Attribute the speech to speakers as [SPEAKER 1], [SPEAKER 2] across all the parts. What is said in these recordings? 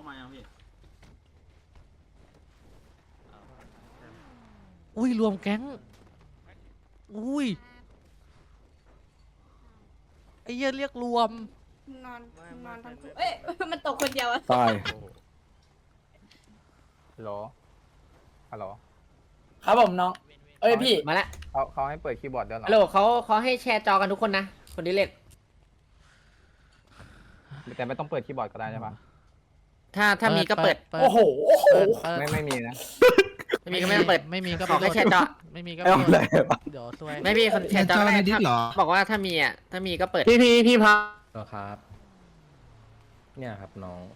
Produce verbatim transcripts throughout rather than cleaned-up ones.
[SPEAKER 1] ไมอ่ะพี่
[SPEAKER 2] อุ้ยรวมแก๊งอุ้ยไอ้เหี้ยเรียกรวม
[SPEAKER 3] นอนนอนทั้งคู่เอ้ย มันตกคนเดียวอะ
[SPEAKER 4] ตาย
[SPEAKER 5] ฮัลโหลฮัลโหล
[SPEAKER 6] ครับผมน้อง เอ้ยพี่
[SPEAKER 7] มาละ
[SPEAKER 5] เขาเขาให้เปิดคีย์บอร์ดด้วยเหรอ
[SPEAKER 7] ฮัลโหลเขาเขาให้แชร์จอกันทุกคนนะ คนที่เล่น
[SPEAKER 5] แต่ไม่ต้องเปิดคีย์บอร์ดก็ได้ใช่ปะ
[SPEAKER 7] ถ้าถ้ามีก็เปิด
[SPEAKER 2] เปิด
[SPEAKER 6] โอ้โห โอ้โห
[SPEAKER 2] เปิดเปิด
[SPEAKER 5] ไม่ไม่มีนะ
[SPEAKER 7] ไม่มีก็ไม่ต้องเปิด
[SPEAKER 2] ไม่มีก็
[SPEAKER 7] ขอแค่แชร์จอ
[SPEAKER 2] ไม่มีก็
[SPEAKER 4] เอาอะไรวะ
[SPEAKER 2] เดี๋ยวซวย
[SPEAKER 7] ไม่พี่คนแชร์จอก็ได้ถ้าบอกว่าถ้ามีอ่ะ ถ้ามีก็เปิด
[SPEAKER 8] พี่พี่พี่พักครับ เนี่ยครับน้อง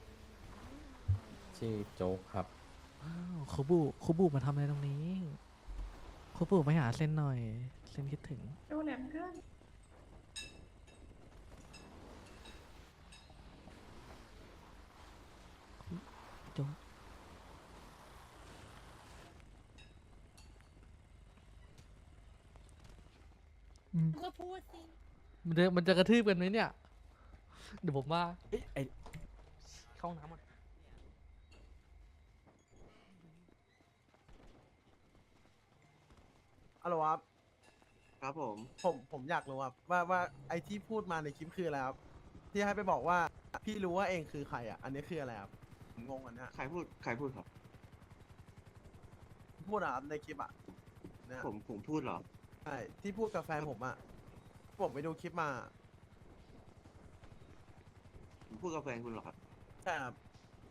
[SPEAKER 8] ชื่อโจ๊กครับ
[SPEAKER 2] อ้าวคูบูคูบูมาทำอะไรตรงนี้คูบูไปหาเซนหน่อยเซนคิดถึง
[SPEAKER 3] ดูแหลมเพื่อน
[SPEAKER 2] โจ๊กอืม
[SPEAKER 3] ก็พูดสิ
[SPEAKER 2] มันจะมันจะกระทืบกันไหมเนี่ย เดี๋ยวผมว่าเอ้ยไอเข้าห้องน้ำอ่ะ
[SPEAKER 9] ฮัลโหลครับ
[SPEAKER 1] ครับผม
[SPEAKER 9] ผมผมอยากรู้ครับว่าว่าไอที่พูดมาในคลิปคืออะไรครับที่ให้ไปบอกว่าพี่รู้ว่าเองคือใครอ่ะ อันนี้คืออะไรครับผมงงอันเนี้ย
[SPEAKER 1] ใครพูด ใครพูดครับ
[SPEAKER 9] พูดอะครับในคลิปอ่ะเนี่ย
[SPEAKER 1] ผม ผมพูดเหรอ
[SPEAKER 9] ใช่ที่พูดกับแฟนผมอ่ะผมไปดูคลิปมา
[SPEAKER 1] ผมพูดกับแฟนคุณเหรอครับ
[SPEAKER 9] ใช่ครับ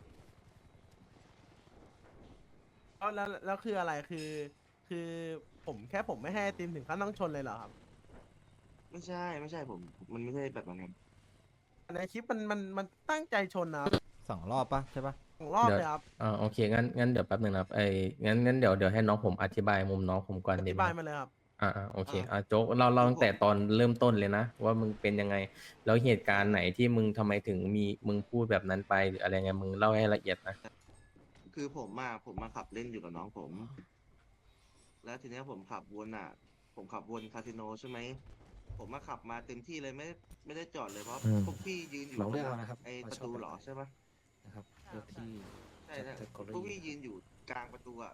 [SPEAKER 9] เอาแล้วแล้วคืออะไรคือ คือผมแค่ผมไม่ให้ไอติมถึงขั้นต้องชนเลยเหรอครับ
[SPEAKER 1] ไม่ใช่ ไม่ใช่ผม มันไม่ใช่แบบนั้นครับ
[SPEAKER 9] ในคลิปมันมันมันตั้งใจชนนะครับ
[SPEAKER 4] สองรอบปะใช่ปะ
[SPEAKER 9] สองรอบเลยครับ
[SPEAKER 8] อ่าโอเคงั้นงั้นเดี๋ยวแป๊บหนึ่งนะครับไอ้งั้นงั้นเดี๋ยวเดี๋ยวให้น้องผมอธิบายมุมน้องผมก่อน
[SPEAKER 9] อ
[SPEAKER 8] ดี
[SPEAKER 9] ธิ
[SPEAKER 8] ไหม
[SPEAKER 9] บายมาเลยครับ
[SPEAKER 8] อ่าอ่าโอเคอ่าโจ๊กเราเราตั้งแต่ตอนเริ่มต้นเลยนะว่ามึงเป็นยังไงแล้วเหตุการณ์ไหนที่มึงทำไมถึงมีมึงพูดแบบนั้นไปหรืออะไรไงมึงเล่าให้ละเอียดนะ
[SPEAKER 1] คือผมมาผมมาขับเล่นอยู่กับน้องผม แล้วทีเนี้ยผมขับวนอ่ะ ผมขับวนคาสิโนใช่ไหม ผมมาขับมาเต็มที่เลยไม่ไม่ได้จอดเลยเพราะ
[SPEAKER 4] อืม
[SPEAKER 1] พวกพี่ยืนอยู่
[SPEAKER 4] เราเลือก
[SPEAKER 1] ตรง
[SPEAKER 4] เอานะครับ
[SPEAKER 1] ไอ
[SPEAKER 4] เรา
[SPEAKER 1] ประ
[SPEAKER 4] ชอบ
[SPEAKER 1] ตู
[SPEAKER 4] แบบ
[SPEAKER 1] เหรอ
[SPEAKER 4] ไหน
[SPEAKER 1] ใช่ปะ
[SPEAKER 4] นะครับเลือกที่
[SPEAKER 1] ใช่ใช่
[SPEAKER 4] จะ category
[SPEAKER 1] พวกพี่ยืนอยู่กลางประตูอ่ะ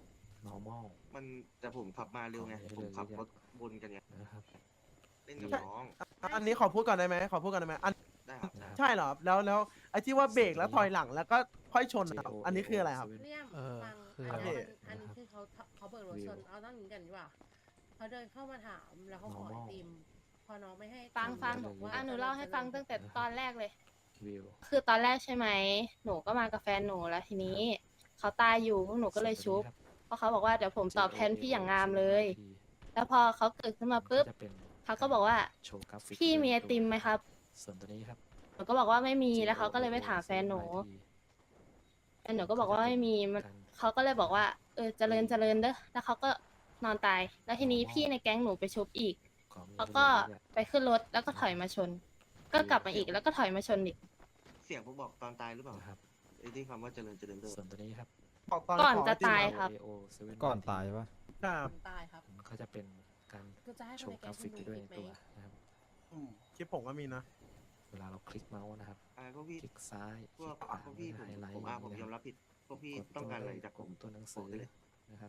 [SPEAKER 4] normal
[SPEAKER 1] มันแต่ผมขับมาเร็วไง
[SPEAKER 4] ของ
[SPEAKER 1] ผมขับ
[SPEAKER 4] เรื่
[SPEAKER 1] ร
[SPEAKER 4] อย
[SPEAKER 1] ถวนกันไง
[SPEAKER 4] นะครับ
[SPEAKER 1] เล่นกับน้อง
[SPEAKER 9] อันนี้ขอพูดก่อนได้ไหมขอพูดก่อนได้ไหมอัน
[SPEAKER 1] ได้ครับได้ครับ
[SPEAKER 9] ใช่เหรอครับแล้วแล้วไอ้ที่ว่าเบรกแล้วถอยหลังแล้วก็ค่อยชนนะครับอันนี้คืออะไรครับ
[SPEAKER 3] เลี่ยม
[SPEAKER 2] เออ
[SPEAKER 3] ฟัง
[SPEAKER 2] คือ
[SPEAKER 3] อัน
[SPEAKER 2] อะไร
[SPEAKER 3] นี้อันนี้คือเขาเขาเบิกรถชนเอาต้องอย่างนี้กันดีกว่าเขาเดินเข้ามาถามแล้วเขาขอไอติม พอน้องไม่ให้
[SPEAKER 10] ฟังฟัง
[SPEAKER 3] บอกว่า
[SPEAKER 10] อ่ะหนูเล่าให้ฟังตั้งแต่ตอนแรกเลย
[SPEAKER 4] วิว
[SPEAKER 10] คือตอนแรกใช่ไหม หนูก็มากับแฟนหนูแล้วทีนี้ เขาตายอยู่พวกหนูก็เลยชุบ เพราะเขาบอกว่าเดี๋ยวผมตอบแทนพี่อย่างงามเลย แล้วพอเขาเกิดขึ้นมาปุ๊บ เขาก็บอกว่า
[SPEAKER 4] โชว์กราฟิก
[SPEAKER 10] พี่มีไอติมไหมครับ
[SPEAKER 4] ส่วนตัวนี้ครับ
[SPEAKER 10] หนูก็บอกว่าไม่มี แล้วเขาก็เลยไปถามแฟนหนูแฟนหนูก็บอกว่าไม่มีมันเขาก็เลยบอกว่า เออ เจริญเจริญเด้อ แล้วเขาก็นอนตาย แล้วทีนี้พี่ในแก๊งหนูไปชุบอีก เขาก็ไปขึ้นรถแล้วก็ถอยมาชน ก็กลับมาอีกแล้วก็ถอยมาชนอีก
[SPEAKER 1] เสียงผมบอกตอนตายหรือเปล่า
[SPEAKER 4] นะครับ
[SPEAKER 1] ไอ้ที่คำว่าเจริญเจริญเด้อ
[SPEAKER 4] ส่วนตัวนี้ครับ
[SPEAKER 9] บอกตอน
[SPEAKER 10] ก่อน
[SPEAKER 9] ขไ
[SPEAKER 10] จะตาย
[SPEAKER 9] ติม
[SPEAKER 10] ครับ
[SPEAKER 4] A O เซเว่นก่อนตายปะ
[SPEAKER 9] ครับ
[SPEAKER 3] ตายครับ
[SPEAKER 4] เขาจะเป็นการ
[SPEAKER 3] ก็จะให้
[SPEAKER 4] โช
[SPEAKER 3] คนใน
[SPEAKER 4] ว์ก
[SPEAKER 3] แก๊
[SPEAKER 4] ราง ฟิก
[SPEAKER 3] คุณ
[SPEAKER 4] ไป
[SPEAKER 3] ดู
[SPEAKER 4] ด้วย
[SPEAKER 3] อี
[SPEAKER 4] ใน
[SPEAKER 3] กไหม
[SPEAKER 4] ตัวนะครับ
[SPEAKER 9] อืมคลิปผมก็มีนะ
[SPEAKER 4] เวลาเราคลิกเมาส์นะครับ
[SPEAKER 1] อะไรพวกพี่
[SPEAKER 4] คลิกซ้าย
[SPEAKER 1] พวก
[SPEAKER 4] คลิกขวา
[SPEAKER 1] พวกพี่ผม
[SPEAKER 4] ไฮไลท์
[SPEAKER 1] ผมอ่ะผมยอมรับผิด พวกพี่ต้องการอะไรจากผม
[SPEAKER 4] ตัวหนังสื
[SPEAKER 1] บ
[SPEAKER 4] อก
[SPEAKER 1] ได้เลย
[SPEAKER 4] นะครับ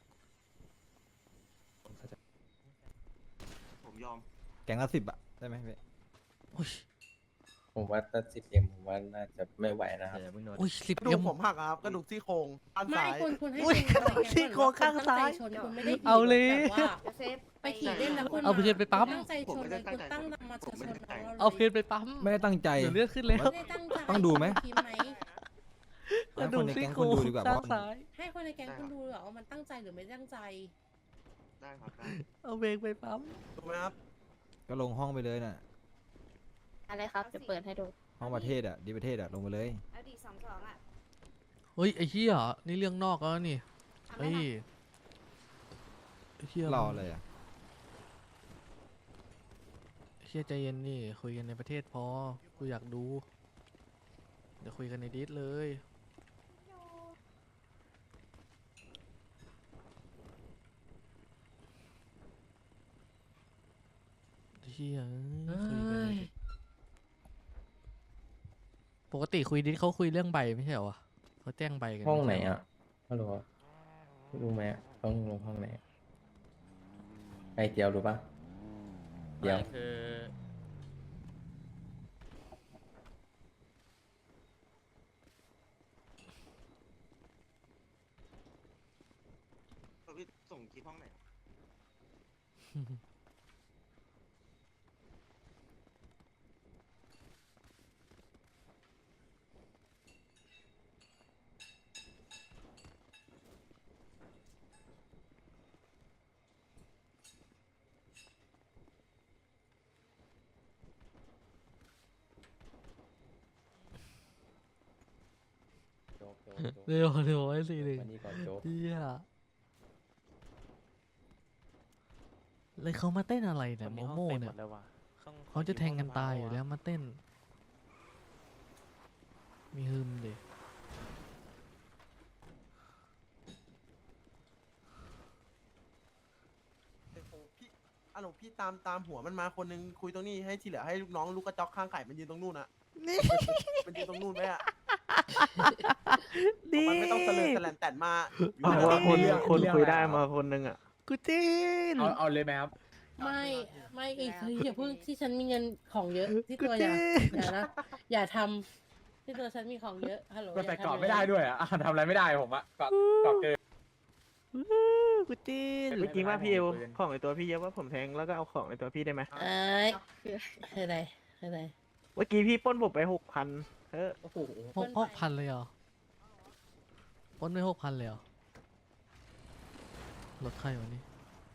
[SPEAKER 4] เขาจะ
[SPEAKER 1] ผมยอม
[SPEAKER 4] แกงละสิบอะได้ไหมพี่
[SPEAKER 2] อุ้ย
[SPEAKER 8] ผมว่าถ้าสิบเอ็มผมว่าน่าจะไม่ไหวนะครับ
[SPEAKER 4] เดี๋ยวเพิ่งโดน
[SPEAKER 2] อุ้ยสิบ
[SPEAKER 9] กระดู
[SPEAKER 2] เอ็
[SPEAKER 9] ก
[SPEAKER 2] ม
[SPEAKER 9] ผมหักอะครับกระดูกซี่โครงด้าน
[SPEAKER 3] ไม่
[SPEAKER 9] ซ้าย
[SPEAKER 3] คุณคุณให้
[SPEAKER 2] อุ้ย
[SPEAKER 3] คุณ
[SPEAKER 2] ซี่โครงข้างซ้าย
[SPEAKER 3] คุณตั้งใจชนคุณไม่ได้ขี่
[SPEAKER 2] เอาเลย
[SPEAKER 3] แบบว่า
[SPEAKER 10] เซฟ
[SPEAKER 3] ไปขี่เล่นแล้วคุณ
[SPEAKER 2] เอาเพื่อนไปปั๊ม
[SPEAKER 3] ตั้งใจชนเลยคุณตั้งมาจะชนเรา
[SPEAKER 2] เอาเพนไปปั๊ม
[SPEAKER 4] ไม่ได้ตั้งใจ
[SPEAKER 2] เดี๋ยวเลือดขึ้นแล้ว
[SPEAKER 3] ไม่ได้ตั้งใจ
[SPEAKER 4] ต้องดูไหม
[SPEAKER 3] คิดไหม
[SPEAKER 2] กระดูกซี่โครงข้างซ้าย
[SPEAKER 3] ให้คนในแก๊งคุณดูเหรอว่ามันตั้งใจหรือไม่ตั้งใจ
[SPEAKER 1] ได้ครับได้
[SPEAKER 2] เอาเบรกไปปั๊ม
[SPEAKER 9] ถูกไหมครับ
[SPEAKER 4] ก็ลงห้องไปเลยน่ะ
[SPEAKER 10] อะไรครับ จะเปิดให้ดู
[SPEAKER 4] ห้องประเทศอะดีประเทศอะลงไปเลย
[SPEAKER 10] เอาดีสองสองอ่ะ
[SPEAKER 2] เฮ้ยไอ้เหี้ยนี่เรื่องนอกแล้วนี่เฮ้ยไอ้เหี้ย
[SPEAKER 4] รอเลยอะ
[SPEAKER 2] ไอ้เหี้ยใจเย็นนี่คุยกันในประเทศพอกูอยากดูเดี๋ยวคุยกันในดิสเลยไอ้เหี้ยเอ้ยคุยกันในดิสปกติคุยดิสเขาคุยเรื่องใบไม่ใช่เหรอวะเขาแจ้งใบกัน
[SPEAKER 8] ห้องไหน
[SPEAKER 2] ม่ใช่เร
[SPEAKER 8] อ่ะฮัลโหลรู้ไหมอะต้องลงห้องไหนไอเจียวรู้ปะเจียว
[SPEAKER 2] คือ
[SPEAKER 1] พี่ส่งคลิปห้องไหน
[SPEAKER 8] โจ๊กโจ๊กโจ๊ก
[SPEAKER 2] เร็วเร็วไอ้สี่หนึ่ง
[SPEAKER 8] มานี่ก่อนโจ๊ก
[SPEAKER 2] เฮียเลยเขามาเต้นอะไรเนี่ยโมโม่เนี่ยเขาจะแทงกันตายอยู่แล้วมาเต้น มีฮึมดิ
[SPEAKER 9] พี่อะหลงพี่ตามตามหัวมันมาคนนึงคุยตรงนี้ให้ที่เหลือให้ลูกน้องลูกกระจอกข้างไก่มันยืนตรงนู่นอะมันยืนตรงนู่นไหมอะมันไม่ต้องเสลือแสลนแต่นมาอยู่
[SPEAKER 11] เพราะว่าคน
[SPEAKER 9] เรื่อง
[SPEAKER 11] คนคุยได้มาคนนึงอ่ะ
[SPEAKER 2] กูจีน
[SPEAKER 5] เอาเอาเลยไหมครับ
[SPEAKER 3] ไม่ไม่อีกคืออย่าเพิ่งที่ฉันมีเงินของเยอะที่
[SPEAKER 2] กู
[SPEAKER 3] ตัวอ
[SPEAKER 2] จี
[SPEAKER 3] ย่าน อย่านะอย่าทำที่ตัวฉันมีของเยอะฮัลโหล
[SPEAKER 5] มันใส่
[SPEAKER 3] ย่าทำ
[SPEAKER 5] กรอบไม่ได้ด้วยอ่ะอ่ะทำอะไรไม่ได้ผมอ่ะกรอบกรอบเกิน
[SPEAKER 2] กูจีน
[SPEAKER 11] เมื่อกี้ว่าพี่เอาของในตัวพี่เยอะว่าผมแทงแล้วก็เอาของในตัวพี่ได้ไหม
[SPEAKER 3] เอ้ยคืออะไรคืออะไร
[SPEAKER 11] เมื่อกี้พี่ปล้นผมไปหกพันเออ
[SPEAKER 5] โอ้โห
[SPEAKER 2] หกหกพันเลยเหรอปล้นไปหกพันเลยเหรอรถใครวะนี่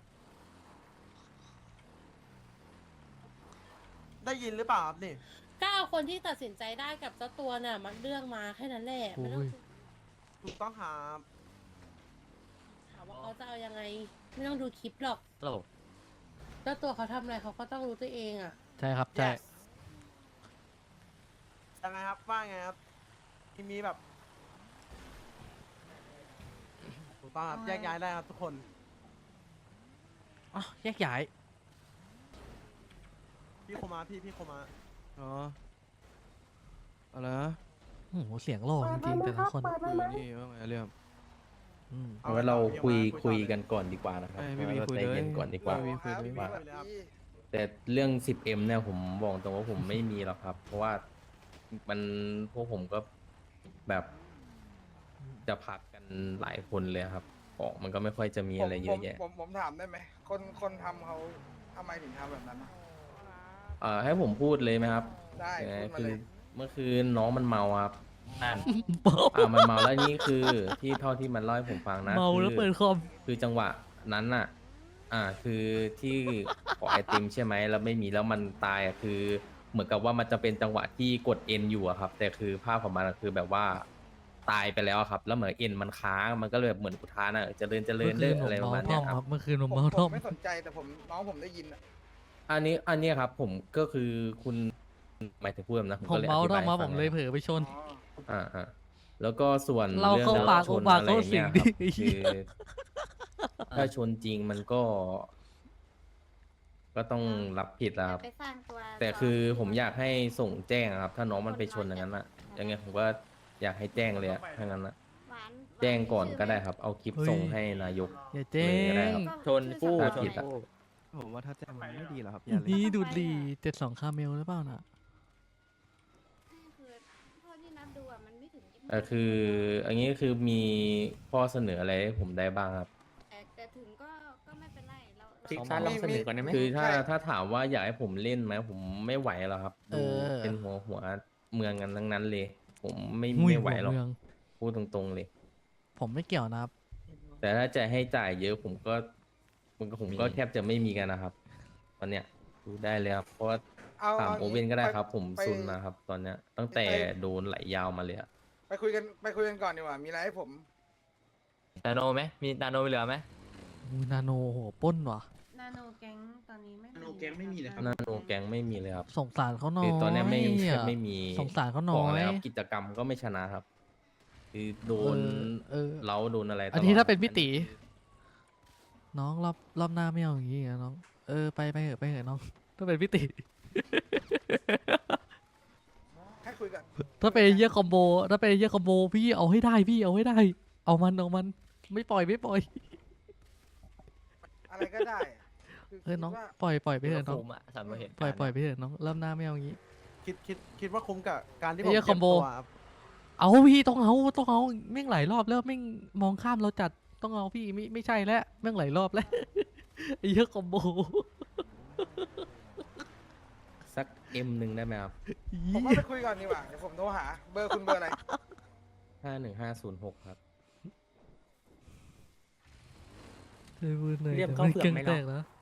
[SPEAKER 9] ได้ยินหรือเปล่าครับนี่
[SPEAKER 3] ก็เอาคนที่ตัดสินใจได้กับเจ้าตัวน่ะมันเลือกมาแค่นั้นแหละไม่ต้อง
[SPEAKER 9] ถูกต้องครับ
[SPEAKER 3] ถามว่าเขาจะเอายังไง ไม่ต้องดูคลิปหรอก
[SPEAKER 2] โอ้
[SPEAKER 3] เจ้าตัวเขาทำอะไรเขาก็ต้องรู้ตัวเองอ่ะ
[SPEAKER 2] ใช่ครับใช่
[SPEAKER 9] Yes ยังไงครับว่าไงครับที่มีแบบถูกต้องครับแยกย้ายได้ครับทุกคน
[SPEAKER 2] อ๋อแยกย้าย
[SPEAKER 9] พี่โคมาพี่พี่โคมา
[SPEAKER 11] อ๋ออะไรนะ
[SPEAKER 2] โอ้โหเสียงหล่อจริงๆแต่ละคน
[SPEAKER 11] คือนี่ว่าไงเรื่อง
[SPEAKER 2] อืม
[SPEAKER 8] เอาไว้เราคุยคุยกันก่อนดีกว่านะครับ
[SPEAKER 11] เอ้ยไม่มี
[SPEAKER 8] เรา
[SPEAKER 11] คุย
[SPEAKER 8] ใจ
[SPEAKER 11] เลย
[SPEAKER 8] เย็นก่อนดีกว่า
[SPEAKER 11] ไม่มีคุยเลย
[SPEAKER 8] ว่า
[SPEAKER 9] คุยเลยครับ
[SPEAKER 8] แต่เรื่อง สิบเอ็ม เนี่ยผมบอกตรงว่าผมไม่มีหรอกครับ เพราะว่ามันพวกผมก็แบบจะพักกันหลายคนเลยครับของมันก็ไม่ค่อยจะมีอะไรเยอะแยะ
[SPEAKER 6] ผมผมถามได้ไหมคนคนทำเขาทำไมถึงทำแบบนั้นนะ
[SPEAKER 8] เอ่อให้ผมพูดเลยไหมครับ
[SPEAKER 6] ได้
[SPEAKER 8] เอ่อ
[SPEAKER 6] พูดมา
[SPEAKER 8] คือ
[SPEAKER 6] เลย
[SPEAKER 8] เมื่อคืนน้องมันเมาครับนั่นอ่ามันเมาแล้วนี่คือที่เท่าที่มันเล่าให้ผมฟังนะ
[SPEAKER 2] เมาแล้ว
[SPEAKER 8] คือ
[SPEAKER 2] เปิดคอม
[SPEAKER 8] คือจังหวะนั้นน่ะ อ่า คือที่ขอไอติมใช่ไหมแล้วไม่มีแล้วมันตายอ่ะคือ เหมือนกับว่ามันจะเป็นจังหวะที่กดเอ็นอยู่อะครับ แต่คือภาพของมันอะคือแบบว่าตายไปแล้วอะครับ แล้วเหมือนเอ็นมันค้างมันก็เลยแบบเหมือนอุทานอะเจริญเจริ
[SPEAKER 2] เมื่
[SPEAKER 8] ญ
[SPEAKER 2] อคื
[SPEAKER 8] เด้
[SPEAKER 2] น
[SPEAKER 8] อ
[SPEAKER 2] ผม
[SPEAKER 8] อะไรประ
[SPEAKER 2] เมา
[SPEAKER 8] มาณ
[SPEAKER 2] ท่
[SPEAKER 8] เนี้
[SPEAKER 2] อย ม
[SPEAKER 8] ค
[SPEAKER 2] ค
[SPEAKER 8] รั
[SPEAKER 2] รั
[SPEAKER 8] บบ
[SPEAKER 2] เมื่อคืนผม
[SPEAKER 6] ผม
[SPEAKER 2] เมา
[SPEAKER 6] ผ
[SPEAKER 2] ท่อ
[SPEAKER 6] ม
[SPEAKER 2] ม
[SPEAKER 6] ไม่สนใจแต่ผมน้องผมได้ยินอะ
[SPEAKER 8] อันนี้อันเนี้ยครับ ผมก็คือคุณหมายถึงพูดแบบนั้นผม
[SPEAKER 2] ผม
[SPEAKER 8] ก็เลยอ
[SPEAKER 2] เมา
[SPEAKER 8] ธิ
[SPEAKER 2] ท่
[SPEAKER 8] บา
[SPEAKER 2] อย ม
[SPEAKER 8] ให้
[SPEAKER 2] มา
[SPEAKER 8] ฟั
[SPEAKER 2] ผ
[SPEAKER 8] ง
[SPEAKER 2] มเลย
[SPEAKER 8] นะ
[SPEAKER 2] เผลอไปชน
[SPEAKER 8] อ่าอ่าแล้วก็ส่วน
[SPEAKER 2] เราเข้า
[SPEAKER 8] รื่อง
[SPEAKER 2] ปาก
[SPEAKER 8] ชน
[SPEAKER 2] ปาก
[SPEAKER 8] อะไร
[SPEAKER 2] เข้า
[SPEAKER 8] อย่
[SPEAKER 2] สิง
[SPEAKER 8] ย
[SPEAKER 2] ดิ
[SPEAKER 8] ครับ
[SPEAKER 2] ไอ้เหี้
[SPEAKER 8] คื
[SPEAKER 2] ย
[SPEAKER 8] อถ้าชนจริงมันก็ ก็ต้องรับผิดนะครับ
[SPEAKER 10] ไปสร้างตัว
[SPEAKER 8] แต่คือผมอยากให้ส่งแจ้งอะครับ ถ้าน้องมันไปชนอย่างนั้นอะยังไงผมก็อยากให้แจ้งเลยอะถ้างั้นอะ
[SPEAKER 10] หวาน
[SPEAKER 8] แจ้งก่อนก็ได้ครับ เอาคลิปส่งให้นายก
[SPEAKER 2] อย่าแจ้
[SPEAKER 8] เลยก็ได้
[SPEAKER 2] ง
[SPEAKER 8] ครับ
[SPEAKER 7] ชนกู้
[SPEAKER 8] ถ้า
[SPEAKER 7] ช
[SPEAKER 8] ผิ
[SPEAKER 7] น
[SPEAKER 8] ดอะ
[SPEAKER 7] กู้
[SPEAKER 11] ผมว่าถ้าแจ้งมันไม่ดีหรอกครับอย่าเลย
[SPEAKER 2] นี่ดูดดีเจ็ดสองคาเมลหรือเปล่าน่ะ
[SPEAKER 10] คือเท่าที่นับดูอะมันไม่ถึงยี่สิบ
[SPEAKER 8] แต่คือ อันนี้คือมีข้อเสนออะไรให้ผมได้บ้างครับ
[SPEAKER 10] แต่แต่ถึงก็ก็ไม่เป็นไรเราเรา
[SPEAKER 7] ซิกซ่าลองเสนอก่อนได้ไหม
[SPEAKER 8] คือถ้าถ้าถามว่าอยากให้ผมเล่นไหมผมไม่ไหวแล้วครับ
[SPEAKER 2] เอ
[SPEAKER 8] ดู
[SPEAKER 2] อ
[SPEAKER 8] เป็นหัวหัวเมืองกันทั้งนั้นเลย ผมไม่
[SPEAKER 2] หุ้ย
[SPEAKER 8] ไม่ไหวหรอก
[SPEAKER 2] หัวเมือง
[SPEAKER 8] พูดตรงๆเลย
[SPEAKER 2] ผมไม่เกี่ยวนะครับ
[SPEAKER 8] แต่ถ้าจะให้จ่ายเยอะผมก็มันก็ผมก็แทบจะไม่มีกันนะครับตอนเนี้ยดูได้เลยครับเพราะว่า
[SPEAKER 6] เอา
[SPEAKER 8] ถาม
[SPEAKER 6] เอา
[SPEAKER 8] โอเว่นก็ได้ครับ ผม
[SPEAKER 6] ไป
[SPEAKER 8] ซุนนะครับ ตอนเนี้ย ตั้งแต่โดนไหลยาวมาเลยอะ
[SPEAKER 6] ไปคุยกันไปคุยกันก่อนดีกว่า มีอะไรให้ผม
[SPEAKER 7] นาโนไหมมีนาโนเหลือไหม
[SPEAKER 2] อูนาโนโหปล้นว่ะ
[SPEAKER 3] นาโนแก๊งตอนนี้ไม่
[SPEAKER 6] นาโนแก๊งไม่มีเลยครับ
[SPEAKER 8] นาโนแกงไม่มีเลยครับ
[SPEAKER 2] สงสารเขาหน่อย
[SPEAKER 8] คือตอนเนี้ยไม่
[SPEAKER 2] อะ
[SPEAKER 8] ไม่มี
[SPEAKER 2] สงสารเขาหน่
[SPEAKER 8] บ
[SPEAKER 2] อ
[SPEAKER 8] อก
[SPEAKER 2] ย
[SPEAKER 8] แล้วครับกิจกรรมก็ไม่ชนะครับ คือโดน
[SPEAKER 2] เออเออ
[SPEAKER 8] เล้าโดนอะไรตลอด
[SPEAKER 2] อันนี้ถ้าเป็นพี่ตีน้องรอบรอบหน้าไม่เอาอย่างงี้นะน้องเออไปไปเถอะไปเถอะน้องถ้าเป็นพี่ตี
[SPEAKER 6] ให้คุคุยกัน
[SPEAKER 2] ถ้าเป็นไอ้เหี้ยคอมโบถ้าเป็นไอ้เหี้ยคอมโบพี่เอาให้ได้พี่เอาให้ได้ เอามันเอามันไม่ปล่อยไม่ปล่อย
[SPEAKER 6] อะไรก็ได้อะคือ
[SPEAKER 2] เออน้อง
[SPEAKER 6] คิดว่า
[SPEAKER 2] ปล่อยปล่อยไปเถอะน้อง
[SPEAKER 8] ผมอะสามเหตุ
[SPEAKER 2] ปล่อยปล่อยไปเถอะน้องเริ่มหน้าไม่เอางี้
[SPEAKER 9] คิดคิดคิดว่าคุ้มกับการที่ผ
[SPEAKER 2] ไอ้
[SPEAKER 9] ม
[SPEAKER 2] เหี้ย
[SPEAKER 9] เก็บ
[SPEAKER 2] combo
[SPEAKER 9] ตัวครับ
[SPEAKER 2] เอาพี่ต้องเอาต้องเอาแม่งหลายรอบแล้วแม่งมองข้ามเราจัดต้องเอาพี่ไม่ไม่ใช่แล้วแม่งหลายรอบแล้ว ไอ้เหี้ยคอมโบ
[SPEAKER 8] สักเอ็มหนึ่งได้ไหมครับ
[SPEAKER 6] ผมว่าไปคุยก่อนดีกว่าเดี๋ยวผมโทรหา เบอร์คุณเบอร์อะไร
[SPEAKER 8] ห้าหนึ่งห้าศูนย์หกครับ
[SPEAKER 2] เรียมเข้าเผือกไหมเนาะ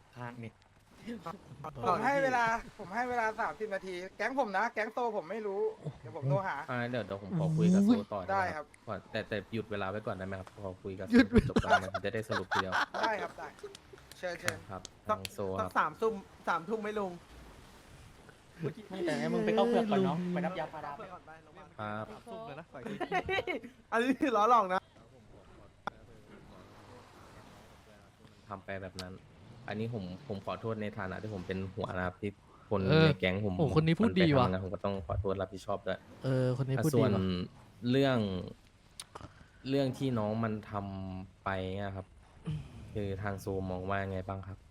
[SPEAKER 6] ผมให้เวลา ผมให้เวลาสามสิบนาที แก๊งผมนะ แก๊งโตผมไม่รู้ เดี๋ยวผมโทรหา
[SPEAKER 8] อ่าเดี๋ยวเดี๋ยวผมขอคุยกับโซต่อ
[SPEAKER 6] ได้ครับ
[SPEAKER 8] ก่อนแต่แต่หยุดเวลาไว้ก่อนได้ไหมครับพอคุยกับ
[SPEAKER 2] หยุดเวลา
[SPEAKER 8] จบแล้วมันจะได้สรุปทีเดียว
[SPEAKER 6] ได้ครับได้ เชิญเชิญ
[SPEAKER 8] ครับ
[SPEAKER 9] สั
[SPEAKER 8] ทาก งโซ
[SPEAKER 9] สั
[SPEAKER 8] ค
[SPEAKER 9] ก
[SPEAKER 8] รับ
[SPEAKER 9] สามทุ่มสามทุ่มไหม่ลง
[SPEAKER 7] แต่ให้มึงไปเข้าเผือกก่อนเนาะไปรับยาพารา
[SPEAKER 9] ไปก่อนไปโรงพยาบาล
[SPEAKER 8] ครับ
[SPEAKER 2] ซุ่มเลยนะ
[SPEAKER 9] อันนี้ล้อหลอกนะ
[SPEAKER 8] ทำไปแบบนั้น อันนี้ผมผมขอโทษในฐานะที่ผมเป็นหัวนะครับที่คน
[SPEAKER 2] เออ
[SPEAKER 8] ในแก๊งผม
[SPEAKER 2] โอ้คนนี้พูดดีว่ะ
[SPEAKER 8] มันไปทำงานผมก็ต้องขอโทษรับผิดชอบด้วย
[SPEAKER 2] เออคนนี้
[SPEAKER 8] อ่ะ
[SPEAKER 2] พูด
[SPEAKER 8] ส่
[SPEAKER 2] ดี
[SPEAKER 8] วน
[SPEAKER 2] ว่ะ
[SPEAKER 8] เรื่องเรื่องที่น้องมันทำไปเนี่ยครับ คือทางโซมองว่าไงบ้างครับ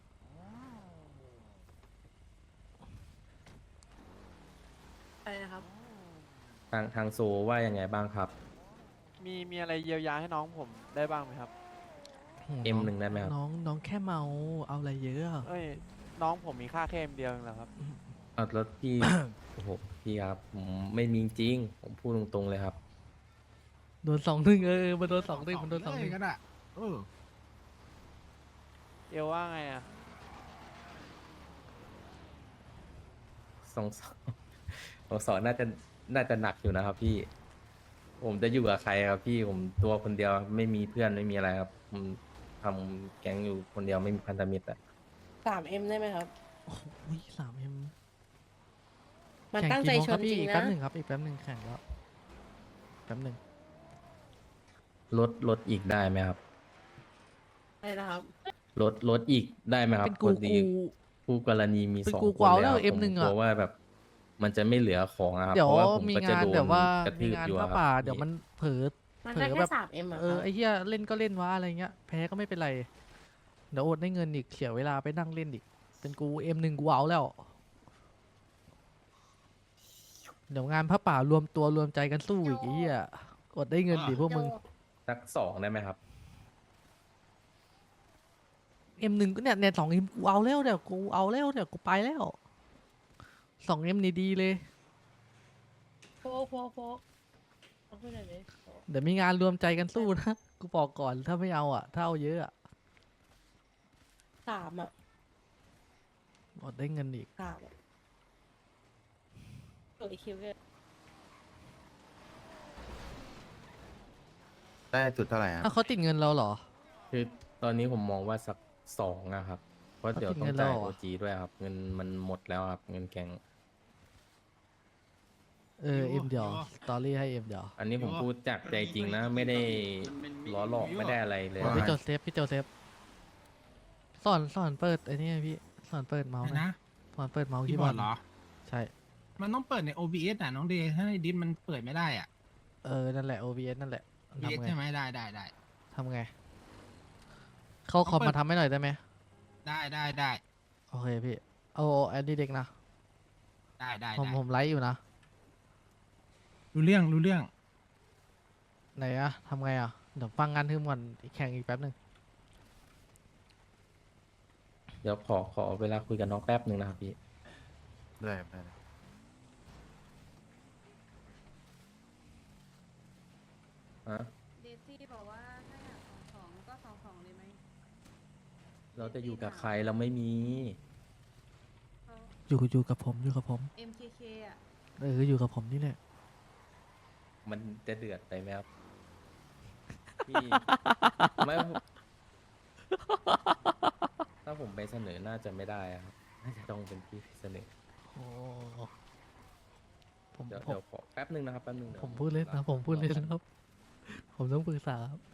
[SPEAKER 3] อะไรนะครับ
[SPEAKER 8] ทางทางโซว่ายังไงบ้างครับ
[SPEAKER 11] มีมีอะไรเยียวยาให้น้องผมได้บ้างไหมครับ
[SPEAKER 2] โอ้โ
[SPEAKER 8] เอ็มหนึ่งได้ไหมครับ
[SPEAKER 2] น้องน้องแค่เมาเอาอะไรเยอะอะ
[SPEAKER 11] เอ้ยน้องผมมีค่าแค่เอ็มเดียวเองเหรอครับ
[SPEAKER 8] อ่ะแล้วพี่ โอ้โหพี่ครับผมไม่มีจริง ผมพูดตรงๆเลยครับ
[SPEAKER 2] โดนสองหนึ่งเออมันโดนสองหนึ่งมันโดนสองหนึ่ง
[SPEAKER 11] เอลว่าไงอ่ะ
[SPEAKER 8] สองสองสองสองน่าจะน่าจะหนักอยู่นะครับ พี่ ผมจะอยู่กับใครครับ พี่ผมตัวคนเดียวไม่มีเพื่อนไม่มีอะไรครับผมทำแก๊งอยู่คนเดียวไม่มีพันธมิตรอะ
[SPEAKER 3] สามเอ็มได้ไหมครับ
[SPEAKER 2] โอ้โหสามเอ็ม
[SPEAKER 3] มันตั้งใจชนจริง
[SPEAKER 2] อีก
[SPEAKER 3] นะ
[SPEAKER 2] แป๊บหนึ่งครับอีกแป๊บหนึ่งแข่งแล้วแป๊บหนึ่ง
[SPEAKER 8] ลดลดอีกได้ไหมครับ
[SPEAKER 3] อะไรนะครับ
[SPEAKER 8] ลดลดอีกได้ไหมครับ
[SPEAKER 2] เป็นกู
[SPEAKER 8] พอดี
[SPEAKER 2] กู
[SPEAKER 8] คู่กรณีมี
[SPEAKER 2] เป็น
[SPEAKER 8] สอง
[SPEAKER 2] กู
[SPEAKER 8] ค
[SPEAKER 2] กู
[SPEAKER 8] น
[SPEAKER 2] เอา
[SPEAKER 8] เลย
[SPEAKER 2] แล้ว
[SPEAKER 8] ครับ
[SPEAKER 2] เอ็ม
[SPEAKER 8] ผม
[SPEAKER 2] หนึ่ง
[SPEAKER 8] ก
[SPEAKER 2] อะ
[SPEAKER 8] ลัวว่าแบบ มันจะไม่เหลือของอะครับ
[SPEAKER 2] เดี๋ยว
[SPEAKER 8] เพราะว่าผม
[SPEAKER 2] มี
[SPEAKER 8] ก็จะ
[SPEAKER 2] งาน
[SPEAKER 8] โดน
[SPEAKER 2] แบบว่าก
[SPEAKER 8] ระ
[SPEAKER 2] มี
[SPEAKER 8] ทืบ
[SPEAKER 2] งาน
[SPEAKER 8] อยู่
[SPEAKER 2] พ
[SPEAKER 8] อะ
[SPEAKER 2] ระ
[SPEAKER 8] ครับ
[SPEAKER 2] ป่าเดี๋ยวมันเผลอ
[SPEAKER 3] มัน
[SPEAKER 2] เผล
[SPEAKER 3] ได้
[SPEAKER 2] อ
[SPEAKER 3] แค่
[SPEAKER 2] แบบ
[SPEAKER 3] สามเอ็มอะ
[SPEAKER 2] เออไอ้เหี้ยเล่นก็เล่นวะอะไรเงี้ยแพ้ก็ไม่เป็นไรเดี๋ยวอดได้เงินอีกเสียเวลาไปนั่งเล่นอีกเป็นกูเอ็มหนึ่งกูเอาแล้วเดี๋ยวงานพระป่ารวมตัวรวมใจกันสู้อีกไอ้เหี้ยอดได้เงินดิพวกมึง
[SPEAKER 8] สักสองได้ไหมครับ
[SPEAKER 2] เอ็มหนึ่งก็เนี่ยเนี่ยสองเอ็มกูเอาแล้วเดี๋ยวกูเอาแล้วเดี๋ยวกูไปแล้วสองเอ็มนี่ดีเลย
[SPEAKER 3] โฟกโฟกโฟกเอาขึ้นหน่อยดิโฟก
[SPEAKER 2] เดี๋ยวมีงานรวมใจกันสู้นะ กูบอกก่อนถ้าไม่เอาอ่ะ ถ้าเอาเยอะอ่ะ
[SPEAKER 3] สามอ่ะ
[SPEAKER 2] อดได้เงินอีก
[SPEAKER 3] สามอะเออคิวเลย
[SPEAKER 12] ได้จุดเท่าไหร่ครับ
[SPEAKER 2] ถ้าวเขาติดเงินเราเหรอ
[SPEAKER 8] คือตอนนี้ผมมองว่าสักสองนะครับ เพราะเดี๋ยวต้อง
[SPEAKER 2] เขาติดเงิน
[SPEAKER 8] จ่าย
[SPEAKER 2] เราเหร
[SPEAKER 8] โอ
[SPEAKER 2] อ
[SPEAKER 8] จีด้วยครับ เงินมันหมดแล้วครับ เงินแกง
[SPEAKER 2] เออเอ็มเดียวสตอรี่ให้เอ็มเดียว
[SPEAKER 8] อันนี้ผมพูดจากใจจริงนะ ไม่ได้ล้อหลอกไม่ได้อะไรเลย
[SPEAKER 2] โอ้พี่โจเซฟพี่โจเซฟสอนสอนเปิดไอ้นี่ไงพี่สอนเปิดเมาส์หน่อย
[SPEAKER 13] นะ
[SPEAKER 2] สอนเปิดเมาส์
[SPEAKER 13] คี
[SPEAKER 2] คี
[SPEAKER 13] ย์
[SPEAKER 2] ย์
[SPEAKER 13] บบ อ
[SPEAKER 2] อ
[SPEAKER 13] ร์
[SPEAKER 2] ร์
[SPEAKER 13] ด
[SPEAKER 2] ด
[SPEAKER 13] เหรอ
[SPEAKER 2] ใช่
[SPEAKER 13] มันต้องเปิดใน โอ บี เอส อ่ะ น้องเดย์ถ้าในดิสมันเปิดไม่ได้อ่ะ
[SPEAKER 2] เออนั่นแหละ โอ บี เอส นั่นแหละ
[SPEAKER 13] โอ บี เอส
[SPEAKER 2] ทำไง
[SPEAKER 13] ใช่ไหมได้ได้ได้
[SPEAKER 2] ทำไง เข้าคอมมาทำให้หน่อยได้ไหม
[SPEAKER 13] ได้ได้ได้
[SPEAKER 2] โอเคพี่เอาแอดดี้เด็กนะ
[SPEAKER 13] ได้ได้
[SPEAKER 2] ผม
[SPEAKER 13] ได้
[SPEAKER 2] ผมไลฟ์อยู่นะ
[SPEAKER 13] รู้เรื่องรู้เรื่อง
[SPEAKER 2] ไหนอะทำไงอะเดี๋ยวฟังงานทึมก่อนแข่งอีกแป๊บหนึ่ง
[SPEAKER 8] เดี๋ยวขอขอเวลาคุยกับน้องแป๊บหนึ่งนะครับพี่
[SPEAKER 12] ได้ครับได้ครับ
[SPEAKER 8] ฮะ
[SPEAKER 3] เดซี่บอกว่าถ้าอยากสองสองก็สองสองเลยไหม
[SPEAKER 8] เราจะอยู่กับใครเราไม่มี
[SPEAKER 2] อยู่อยู่กับผมอยู่กับผม
[SPEAKER 3] เอ็มเคเคอ่ะ
[SPEAKER 2] เอออยู่กับผมนี่แหละ
[SPEAKER 8] มันจะเดือดไปไหมครับ พี่ไม่ถ้าผมไปเสนอน่าจะไม่ได้อะครับน่าจะต้องเป็นพี่เสนอ
[SPEAKER 2] โอ้ผม
[SPEAKER 8] เดี๋ยว
[SPEAKER 2] ผม
[SPEAKER 8] เดี๋ยวขอแป๊บหนึ่งนะครับแป๊บหนึ่งเดี๋ยว
[SPEAKER 2] ผมพูดเล่นนะผมพูดเล่นนะครับ ผมต้องปรึกษาครับ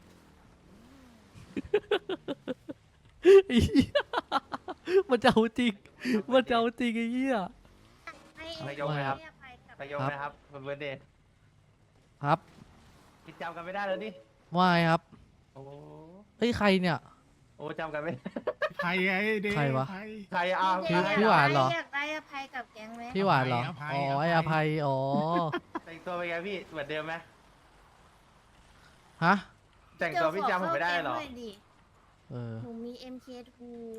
[SPEAKER 2] ไอ้เหี้ยมันจะเอาจริงมันจะเอาจริงไอ้เหี้ย
[SPEAKER 10] ให้
[SPEAKER 2] นายกไหมครับ
[SPEAKER 10] ให้อภัยกับ
[SPEAKER 11] นายกนะครับเป็นเบอร์เดย์
[SPEAKER 2] ครับ
[SPEAKER 11] คิดจำกันไม่ได้แล้วดิ
[SPEAKER 2] ว่าไงครับ
[SPEAKER 11] โอ้
[SPEAKER 2] เฮ้ยใครเนี่ย
[SPEAKER 11] โอ้จำกันไม่
[SPEAKER 13] ใครไอ้เด
[SPEAKER 2] ใครวะ
[SPEAKER 13] ใคร
[SPEAKER 11] ใครอ่ะ
[SPEAKER 2] พี่พี่หวานเหรอ
[SPEAKER 3] อยากได้อภัยกับแก๊งไหม
[SPEAKER 2] พี่หวานเหรอ
[SPEAKER 13] อภัย
[SPEAKER 2] อ๋อ
[SPEAKER 13] อภัย
[SPEAKER 2] ไออภัย อ๋อ
[SPEAKER 11] แต่งตัวเป็นไงพี่เหมือนเดิมไหม
[SPEAKER 2] ฮะ
[SPEAKER 11] แต่งตัวพี่จำผมไม่ได้หรอ
[SPEAKER 3] เยวขเข้าแก๊งน่ยดิ
[SPEAKER 2] เออ
[SPEAKER 3] หนูมี เอ็ม เค ทู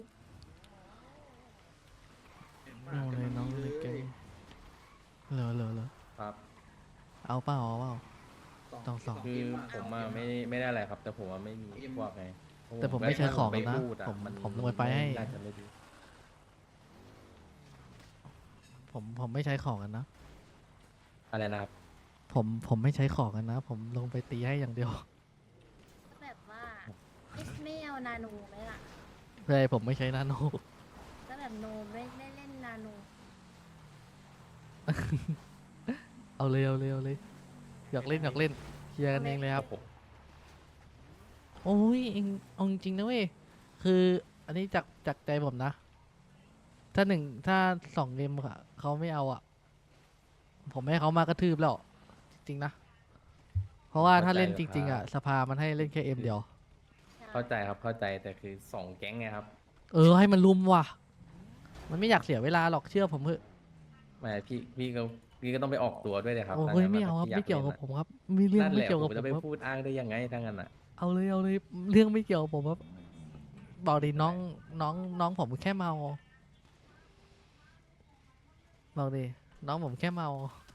[SPEAKER 2] น้องเลยน้องเลยแกงเหลือเหลือเหลือ
[SPEAKER 8] ครับ
[SPEAKER 2] เอาเปล่าเอาเปล่าต้องสอง
[SPEAKER 8] คือผมอะไม่ไม่ได้อะไรครับ แต่ผมว่าไม่มีพวกไง
[SPEAKER 2] แต่ผมไม่ใช้ของ
[SPEAKER 8] ไม่
[SPEAKER 2] นะ
[SPEAKER 8] พูดอ
[SPEAKER 2] ผม
[SPEAKER 8] น
[SPEAKER 2] ผมลงไปให้
[SPEAKER 8] น่าจะไม่ดี
[SPEAKER 2] ผมผมไม่ใช้ของกันนะ
[SPEAKER 8] อะไรนะครับ
[SPEAKER 2] ผมผมไม่ใช้ของกันนะ ผมลงไปตีให้อย่างเดียว
[SPEAKER 3] แบบว่าเอ๊ะไม่เอานาโนไหมล่ะ
[SPEAKER 2] เลยผมไม่ใช้นาโน
[SPEAKER 3] ก็แบบโนไม่ได้เล่นนาโน
[SPEAKER 2] เอาเลยเอาเลยเอาเลยอยากเล่นอยากเล่นเคลียร์กันเองเลยครับ โอ้ยเองเอาจริงๆนะเว้ยคืออันนี้จากจากใจผมนะ ถ้าหนึ่งถ้าสองเกมอะเขาไม่เอาอ่ะ ผมให้เขามากระทืบแล้วจริงๆนะ เพราะว่าถ้าเล่นจริง ๆ อ่ะ สภามันให้เล่นแค่เอ็มเดียว
[SPEAKER 8] เข้าใจครับเข้าใจแต่คือสองแก๊งไงครับ
[SPEAKER 2] เออให้มันลุมว่ะ มันไม่อยากเสียเวลาหรอกเชื่อผมเถอะ
[SPEAKER 8] ไม่พี่พี่ก็พี่ก็ต้องไปออกตัวด้วยเลยครับ
[SPEAKER 2] โอ้
[SPEAKER 8] ถ้
[SPEAKER 2] เฮ้ย
[SPEAKER 8] งั้น
[SPEAKER 2] ไม่เอาครับ
[SPEAKER 8] พี่
[SPEAKER 2] ไม่เกี่ยวกับ
[SPEAKER 8] ล่น
[SPEAKER 2] ผมครับ มีเรื่อง
[SPEAKER 8] นั่นแห
[SPEAKER 2] ไม่
[SPEAKER 8] ละ
[SPEAKER 2] เกี่ยว
[SPEAKER 8] ผ
[SPEAKER 2] กับ
[SPEAKER 8] ม
[SPEAKER 2] ผม
[SPEAKER 8] จะไป
[SPEAKER 2] ครับ
[SPEAKER 8] พูดอ้างได้ยังไงถ้างั้นอ่ะ
[SPEAKER 2] เอาเลยเอาเลยเรื่องไม่เกี่ยวกับผมครับบอกดิน้องน้องน้องผมแค่เมาบอกดิน้องผมแค่เมา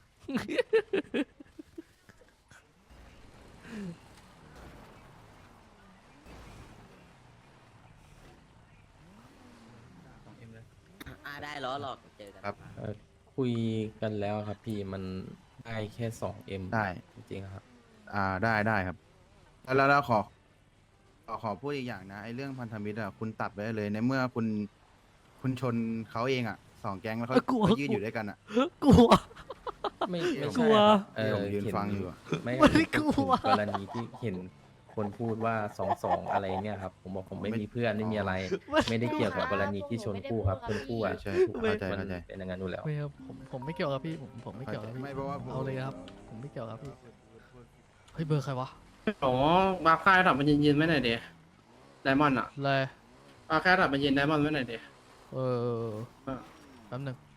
[SPEAKER 7] อ่าได้ล้อหลอกเจอกัน
[SPEAKER 12] ครับ
[SPEAKER 8] เอ่อคุยกันแล้วครับพี่มันได้แค่สองเอ็ม
[SPEAKER 12] ได้
[SPEAKER 8] จริงๆครับ
[SPEAKER 12] อ่าได้ได้ครับ แล้วแล้วขอขอขอพูดอีกอย่างนะไอ้เรื่องพันธมิตรอ่ะคุณตัดไปได้เลยในเมื่อคุณคุณชนเขาเองอ่ะสองแก๊งแล้วเขา
[SPEAKER 2] เอ้ยกลัว
[SPEAKER 12] เขายืนอยู่ด้วยกันอ่ะ
[SPEAKER 2] กลัว
[SPEAKER 8] ไม่ไม่
[SPEAKER 2] กลัว
[SPEAKER 8] ใช่ครับเออ
[SPEAKER 12] ผมยืน
[SPEAKER 8] เห็
[SPEAKER 12] ฟังอยู่อะ
[SPEAKER 8] ไม่
[SPEAKER 2] ไม่ได้กลัว
[SPEAKER 8] ถึงกรณีที่เห็นคนพูดว่าสองสองอะไรเนี่ยครับผมบอกผมไม่มีเพื่อนไม่มีอะไร ไม่ได้เกี่ยวกับกรณีที่ชนคู่ครับชนคู่อ่ะ
[SPEAKER 12] ใช่
[SPEAKER 8] ถูก
[SPEAKER 12] เข้าใจ
[SPEAKER 8] มัน
[SPEAKER 12] เข้าใจ
[SPEAKER 8] เป็นอย่างนั้นอยู่แล้ว
[SPEAKER 2] ไม่ครับผมผมไม่เกี่ยวกับพี่ผมผมไม่เกี่ยวกับพี่
[SPEAKER 12] ไม่เพราะว่าผม
[SPEAKER 2] เอาเลยครับ ผมไม่เกี่ยวกับพี่เฮ้ยเบอร์ใครวะ
[SPEAKER 11] โอ้บาร์ค่ายถับมันยืนๆไม่หน่อยเดียไดมอนด์อ่ะ
[SPEAKER 2] เลย
[SPEAKER 11] บาร์ค่ายถับมันยืนไดมอนด์ไม่หน่อยเดีย
[SPEAKER 2] เออแป๊บหนึง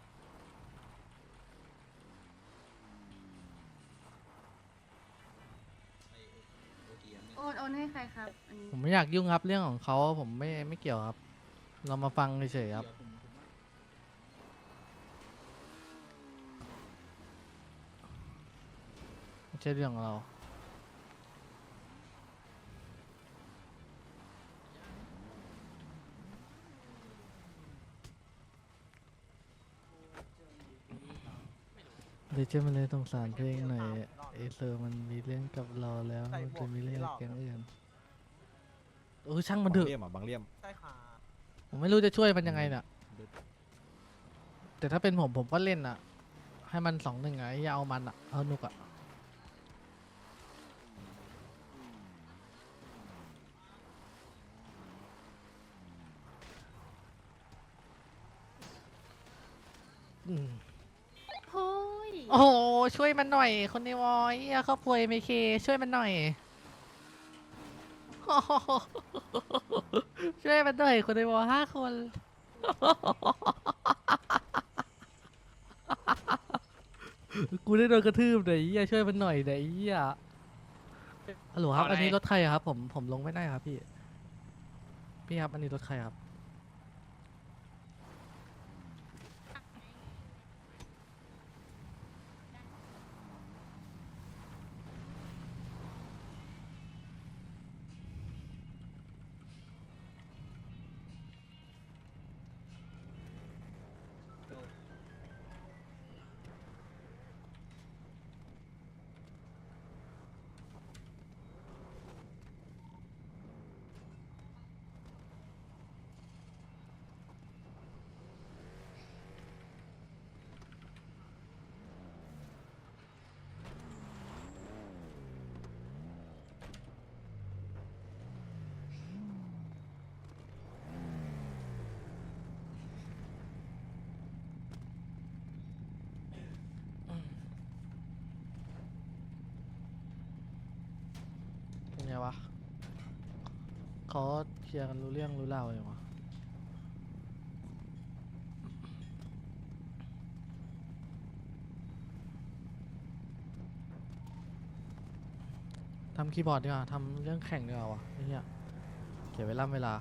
[SPEAKER 3] โอนโอนให้ใครครับอันนี้
[SPEAKER 2] ผมไม่อยากยุ่งครับเรื่องของเขาผมไม่ไม่เกี่ยวครับ เรามาฟังเฉยๆครับไม่ใช่เรื่องของเรา เดี๋ยวเจ้ามันเลยสงสารเพลงหน่อยเอเซอร์มันมีเรื่องกับเราแล้วมันจะมีเรื่องกับแก๊งอื่นเออช่างมันเถ
[SPEAKER 4] บาง
[SPEAKER 2] อะ
[SPEAKER 4] เลี่ยมอ่ะบางเลี่ยม
[SPEAKER 9] ใช่ค่ะ
[SPEAKER 2] ผมไม่รู้จะช่วยมันยังไงน่ะ แต่ถ้าเป็นผมผมก็เล่นอ่ะ ให้มันสองหนึ่งไงอย่าเอามันอ่ะ เอานุกอ่ะ อืม
[SPEAKER 3] โอ้ย
[SPEAKER 2] โอ้โหช่วยมันหน่อย คนในวอยอ่ะครอบครัวเอ็มเคช่วยมันหน่อย โอ้โหช่วยมันหน่อยคนในวอห้าคน กูได้โดนกระทืบไหนเหี้ยช่วยมันหน่อยไหนเหี้ยฮัลโหลครับ อันนี้รถใครอะครับ ผมผมลงไม่ได้ครับพี่ พี่ครับ อันนี้รถใครครับเขาเคลียร์กันรู้เรื่องรู้ราวเลยวะทำคีย์บอร์ดดีกว่าทำเรื่องแข่งดีกว่าวะไอ้เหี้ยเก็บไว้ล่ำเวลา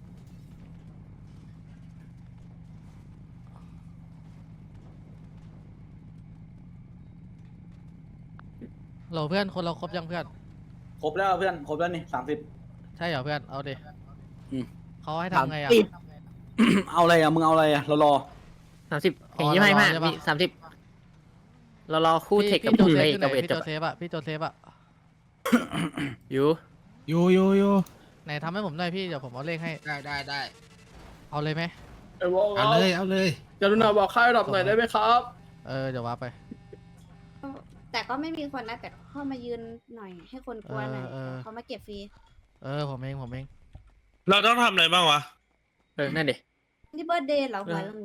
[SPEAKER 2] เราเพื่อนคนเราครบยังเพื่อน
[SPEAKER 11] ครบแล้วเพื่อนครบแล้วนี่สามสิบ
[SPEAKER 2] ใช่เหรอเพื่อนเอาดิ
[SPEAKER 11] อืม
[SPEAKER 2] เขาให้ทำไงอ่ะ
[SPEAKER 11] เอาอะไรอ่ะมึงเอาอะไรอ่ะเรารอ
[SPEAKER 7] สามสิบ
[SPEAKER 2] อ๋อ
[SPEAKER 7] เห็นยี่ห้า
[SPEAKER 2] เรารอ
[SPEAKER 7] ห้า
[SPEAKER 2] ใช่ปะ
[SPEAKER 7] มีสามสิบเรารอคู่เทคกับ
[SPEAKER 2] พี่โจ
[SPEAKER 7] คู่
[SPEAKER 2] เซ
[SPEAKER 7] เอ
[SPEAKER 2] ฟ
[SPEAKER 7] ก
[SPEAKER 2] อยู่ไหน
[SPEAKER 7] กับเวท
[SPEAKER 2] พี่
[SPEAKER 7] จ
[SPEAKER 2] โจ
[SPEAKER 7] บ
[SPEAKER 2] เซฟอะพี่โจเซฟอะ
[SPEAKER 7] อยู่
[SPEAKER 13] อยู่อยู่อยู่
[SPEAKER 2] ไหนทำให้ผมหน่อยพี่เดี๋ยวผมเอาเลขให้
[SPEAKER 13] ได้ได้ได้
[SPEAKER 2] เอาเลยไหม
[SPEAKER 13] เอาเลยเอาเลย
[SPEAKER 7] กรุณาบอกค่ายดรอปหน่อยได้ไหมครับ
[SPEAKER 2] เออเดี๋ยวว่าไป
[SPEAKER 10] แต่ก็ไม่มีคนนะแต่เข้ามายืนหน่อยให้คนกลัวหน่อย
[SPEAKER 2] เออเออ
[SPEAKER 10] เขามาเก็บฟรี
[SPEAKER 2] เออผมเองผมเอง
[SPEAKER 11] เราต้องทำอะไรบ้างวะ
[SPEAKER 7] เออนั่นดิ
[SPEAKER 10] นี่เบิร์ดเดย์เหรอหัว